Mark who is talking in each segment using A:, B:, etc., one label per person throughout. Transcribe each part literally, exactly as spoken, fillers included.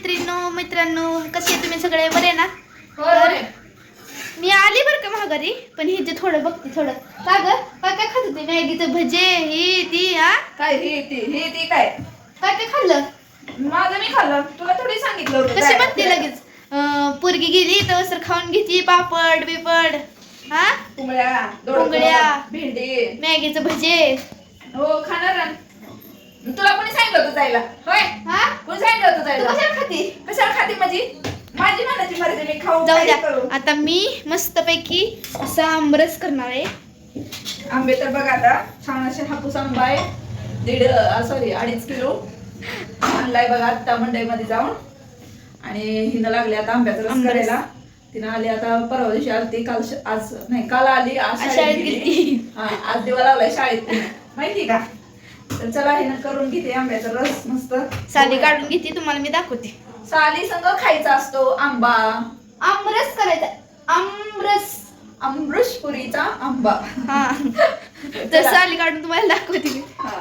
A: मैत्रिणींनो मित्रांनो कसे आहे तुम्ही सगळे बरे ना?
B: होय.
A: मी आली बरं का महागारी पण हे जे थोडं बघते थोडं का ग काय काय खात होते मॅगीचं भजे ही ती हा
B: काय हे ती हे ती काय
A: काय काय खाल्लं
B: माझं मी खाल्लं तुला थोडी सांगितलं होतं
A: कशी
B: जायला
A: बघते
B: फिरायला.
A: लगेच अं, पोरगी गेली तर सर खाऊन घेती पापड बिपड हा
B: कुंबळ्या दोडकं,
A: कुंबळ्या,
B: भेंडी
A: मॅगीचं भजे
B: हो खाणार ना. तुला कोणी सांगितलं होतं जायला होय
A: हा
B: कोणी सांगितलं होतं
A: तू
B: जायला
A: कशाला खाती
B: कशाला खाते माझी माझी मनाची मर्जी मी खाऊ
A: जाऊ
B: काही
A: द्या
B: करू
A: आता मी मस्तपैकी असा आमरस करणार आहे.
B: आंबे तर बघ आता छान असे हापूस आंबा आहे दीड सॉरी अडीच किलो आणलाय बघा आता मंडईमध्ये जाऊन आणि हिनं लागली आता आंब्याचा रस
A: आंबा रस.
B: करायला. तिनं आली आता परवा दिवशी आली ती काल श- आज नाही काल आली आज
A: आज
B: शाळेत
A: शाळेत
B: गेली.
A: गेली.
B: हा, आज दिवा लावलाय शाळेत तिनं. माहिती का तर चला हिनं करून घेते आंब्याचा रस मस्त
A: साली काढून घेते तुम्हाला मी दाखवते.
B: साली संग खायचा असतो आंबा
A: आमरस करायचा आमरस
B: अमृषपुरीचा आंबा
A: हा तर साली काढून तुम्हाला दाखवते मी.
B: हा.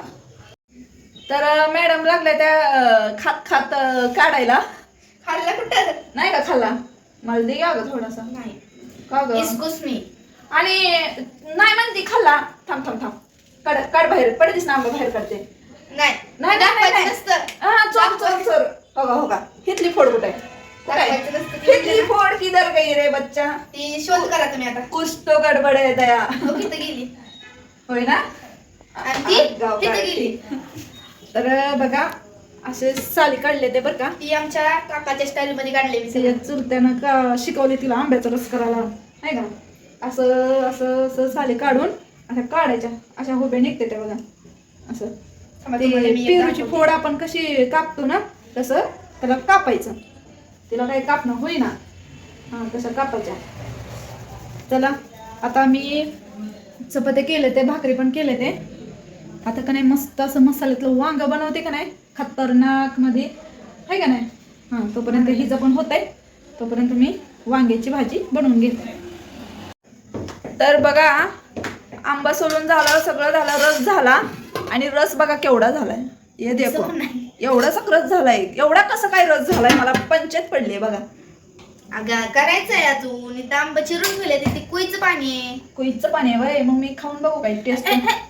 B: तर मॅडम लागल्या त्या अं, खात खात अं, काढायला
A: खाल्ला कुठं
B: नाही का खाल्ला मला दे ग थोडासा
A: नाही
B: का ग
A: इसकोस मी
B: आणि नाही म्हणती खाल्ला थांब थांब थांब काढ काढ बाहेर पडतीस ना आंबा बाहेर काढते
A: नाही
B: नाही, नाही, नाही,
A: दाखवायचं
B: नाही.
A: नसतं
B: हा चोर चोर चोर हो का हो का हितली फोड कुठे
A: दाखवायचं नसतं.
B: हितली फोड किधर गई रे बच्चा
A: ती शोध करा तुम्ही आता
B: कुछ तो गडबड आहे दया
A: हो, तिथं गेली
B: होय ना
A: आणि ती
B: आ- गाव
A: तिथं
B: काढते.
A: गेली
B: तर बघा असे साली काढले ते बरं का
A: ती आमच्या काकाच्या स्टाईल मध्ये काढले मी सगळं.
B: त्याच्यात चुलत्यानं का शिकवले तिला आंब्याचा रस करायला नाही का असं असं असं साली काढून अशा काढायच्या अशा हुब्या निघते त्या बघा असं
A: थांबा,
B: ते
A: तुम्हाला मी एक
B: पेरूची
A: दाखवते.
B: फोड आपण कशी कापतो ना तसं त्याला कापायचं तिला काही कापणं होईना हा तसं कापायच्या. चला आता मी चपात्या केले ते भाकरी पण केले ते आता का नाही मस्त असं मसाल्यातलं वांग बनवते का नाही खतरनाक मध्ये आहे का नाही हां तोपर्यंत हिचं पण होत आहे तोपर्यंत मी वांग्याची भाजी बनवून घेते. तर बघा आंबा सोलून झाला सगळं झालं रस झाला आणि रस बघा केवढा झालाय हे देखो
A: असं नाही.
B: एवढाच रस झालाय एवढा कसं काय रस झालाय मला पंचायत पडली बघा.
A: अगं करायचंय अजून इथं आंबा चिरून ठेवले ते कुईचं पाणी आहे
B: कुईचं पाणी आहे वय मग मी खाऊन बघू काय टेस्ट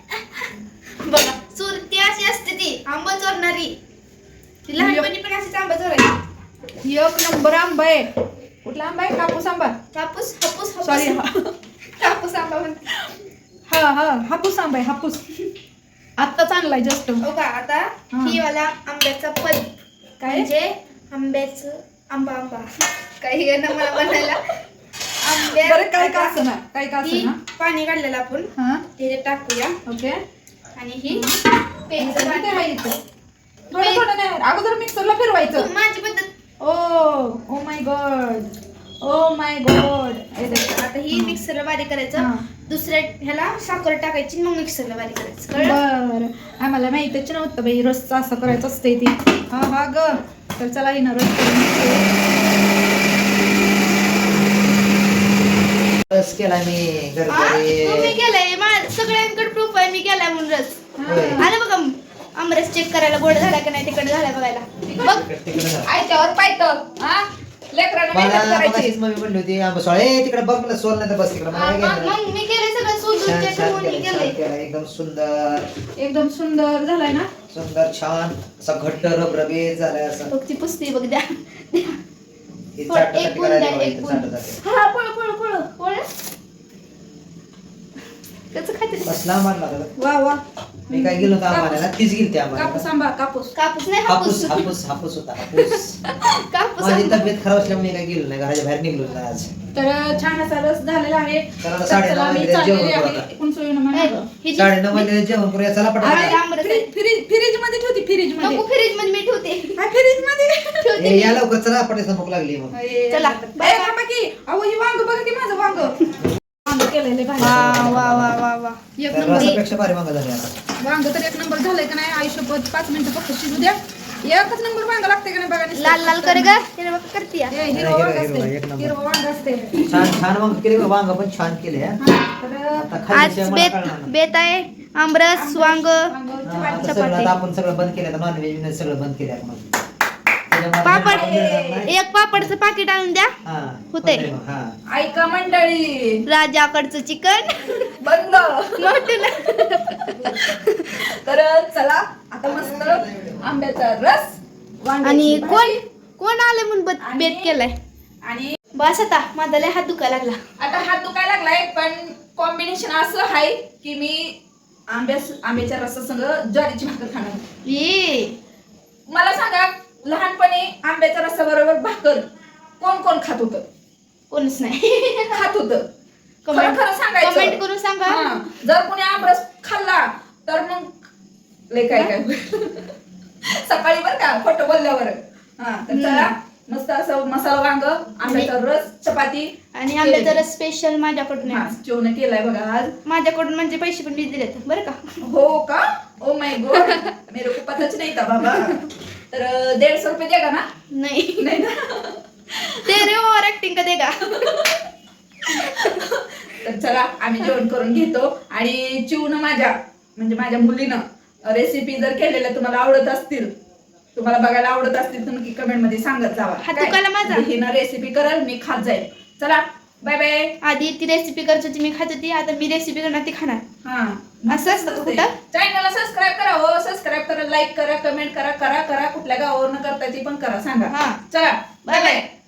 A: बघा चोरती अशी असते ती आंबा चोरणारी ती लहानपणी पण अशीच आंबा चोरायची.
B: एक नंबर आंबा आहे कुठला आंबा आहे कापूस आंबा
A: हापूस हापूस
B: सॉरी
A: हापूस हापूस आंबा म्हणते.
B: हा हा हापूस आंबा आहे हापूस आत्ताच आणलाय जस्ट
A: हो का आता
B: हा.
A: ही वाला आंब्याचा पद
B: काय
A: म्हणजे आंब्याचं आंबा आंबा काही येणं मला म्हणायला आंब्या
B: बरं काय का असं ना काय का
A: ही
B: असं ना
A: पाणी काढलेलं आपण
B: हा
A: ते टाकूया
B: ओके
A: आणि ही प्यायचं
B: काय
A: पाणी.
B: आहे इथं? थोडं थोडं नाही अगोदर मिक्सरला फिरवायचं
A: माझी पद्धत
B: ओ oh my God oh my God
A: आता ही मिक्सरला बारीक करायचं
B: हा.
A: दुसऱ्या ह्याला साखर टाकायची मग मिक्सरला बारीक करायचं कळलं?
B: बर आम्हाला माहितच नव्हतं बाई रसचं असं करायचं असते ती हा हा ग तर चला ही ना रस करून
C: रस केला मी
A: हा?
C: घरचे
A: मग मी केलंय मा- सगळ्यांकडे प्रूफ आहे मी केलाय म्हणून रस
C: होय.
A: आलं बघा आमरस चेक करायला गोड झाला का नाही तिकडे झालाय बघायला बघ
B: आयच्यावर पायतं हा लेकरांना मेहनत
C: मला
B: करायची
C: मगाशीच मम्मी म्हणली होती आंबा सोळे तिकडे बघ मला सोल नाही तर बस तिकडे मला काय
A: मग
C: घेणं नाही.
A: मग मी केलंय सगळं शोधून
C: छान
A: चेक
C: छान
A: करून मी
C: केलं छान
A: केलंय
C: केलं एकदम सुंदर
B: एकदम सुंदर झालाय ना
C: सुंदर छान असा घट्ट रबरबीत झालाय असं
A: बघ ती पुसते बघ द्या
C: हे
A: थोडं-
C: चाटत
A: एक
C: चाटत
A: गुण
C: करायला
A: द्या,
C: बघा,
A: एक
C: इथं
A: गुण.
C: चाटत जाते.
A: हा पळ पळ पळ पळ कसं खाते
C: कसला मारला होता?
B: वा वा
C: मी काय गेलो होतो आम्हाला तीच गेलती
B: कापूस
C: आम्हाला
B: आंबा कापूस
A: कापूस नाही
C: हापूस
A: हापूस
C: हापूस हापूस होता हापूस
A: कापूस
C: माझी
A: आंबा.
C: तब्येत खराब असल्यामुळे मी काय गेलो नाही घराच्या बाहेर निघलो नाही आज
B: तर छान असा रस झालेला आहे
C: तर आता
B: तर
C: साडेनऊ
B: चला मी
C: वाजले,
B: चाललेली
C: जेवण करू
B: आहे.
C: आता.
B: एकूण सोयीनं
A: ए,
B: म्हणा.
A: ही जी-
C: साडेनऊ वाजले जेवण करूया चला
A: अरे,
C: पटापट
A: आंबरस आहे.
B: फ्रीज फ्रीज मध्ये ठेवती फ्रीज मध्ये
A: नको फ्रीज मध्ये मी ठेवते
B: हा फ्रीज मध्ये
A: ठेवते
C: ए,
A: मी.
C: या लवकर चला पटायला भूक लागली मग
A: चला.
B: बाय बाबा की अहो ही वांग बघा की माझं वांग वांग केलेलं
A: वा
B: भाजी
A: वा वा वा वा
B: एक
C: तर
B: नंबर
C: रसापेक्षा भारी मागा झाली आता
B: वांग तर एक नंबर झालंय का नाही आयुष्यपत पाच मिनिटं फक्त शिजू द्या एकच नंबर वांग लागते का नाही बघा नुसतं.
A: लाल लाल कर ग त्याने बघ करते
B: हे हिरवं
C: हिरवं,
B: वांग
C: हिरवं,
B: असते
C: एक नंबर.
B: हिरवं वांग असते
C: छान छान वांग केले बघ, वांग पण छान केले हा.
B: हा, तर
C: आता
A: आज
C: खाल्ल्याशिवाय मला
A: बेत
C: कळणार नाही.
A: बेत आहे आमरस वांग
B: वांग
C: हा, आता सगळं आता आपण सगळं बंद केलं नॉनव्हेज सगळं बंद केलं आपण त्याच्यामुळे
A: पापड
C: आपण देणार नाही.
A: एक पापडचं पाकिट आणून द्या
C: हा,
A: होतंय.
C: होतंय मग, हा.
B: ऐका मंडळी
A: राजाकडचं चिकन
B: बंद. तर चला आता मस्त आंब्याचा रस वांग्याची
A: आणि
B: भाजी.
A: कोण कोण आले म्हणून बत-
B: आणि-
A: बेत केलाय
B: आणि
A: बस आता माझा लय हात दुखायला लागला.
B: आता हात दुखायला लागलाय पण कॉम्बिनेशन असं आहे की मी आंब्या आंब्याच्या रसासंग ज्वारीची भाकर खाणार.
A: ये
B: मला सांगा लहानपणी आंब्याच्या रसाबरोबर भाकर कोण कोण खात होतं?
A: कोणच नाही.
B: खात होतं. खरं
A: कमेंट
B: खरं सांगायचं.
A: कमेंट करून सांगा.
B: हा. जर कोणी आमरस खाल्ला तर मग लय काय काय होईल. सकाळी बर का खोटं बोलल्यावर. हा तर चला मस्त असं मसाला वांग आंब्याचा रस चपाती
A: आणि आंब्याचा रस स्पेशल माझ्याकडून
B: हा
A: आहे.
B: जेवण केलाय बघा आज.
A: माझ्याकडून म्हणजे पैसे पण मी दिलेत बरं का.
B: हो का? ओ माय गॉड मेरे को पताच नाही था बाबा. तर दीडशे रुपये देगा ना?
A: नाही
B: नाही ना.
A: ते रे ओव्हर ऍक्टिंग का देगा.
B: तर चला आम्ही जेवण करून घेतो. आणि चिवनं माझ्या म्हणजे माझ्या मुलीनं रेसिपी जर केलेल्या तुम्हाला आवडत असतील, तुम्हाला बघायला आवडत असतील तर नक्की कमेंट मध्ये सांगत जावा.
A: हात दुखायला माझा.
B: हिनं रेसिपी करल मी खात जाईल. चला बाय बाय.
A: आधी ती रेसिपी करत होती मी खात होती, आता मी रेसिपी करणार ती खाणार.
B: हा
A: असं असतं का कुठं?
B: चॅनलला सबस्क्राईब करा हो. सबस्क्राईब करा, लाईक करा, कमेंट करा, करा करा कुठल्या गावावरनं करता ती पण करा सांगा.
A: हा.
B: चला बाय
A: Bye bye.
B: बाय.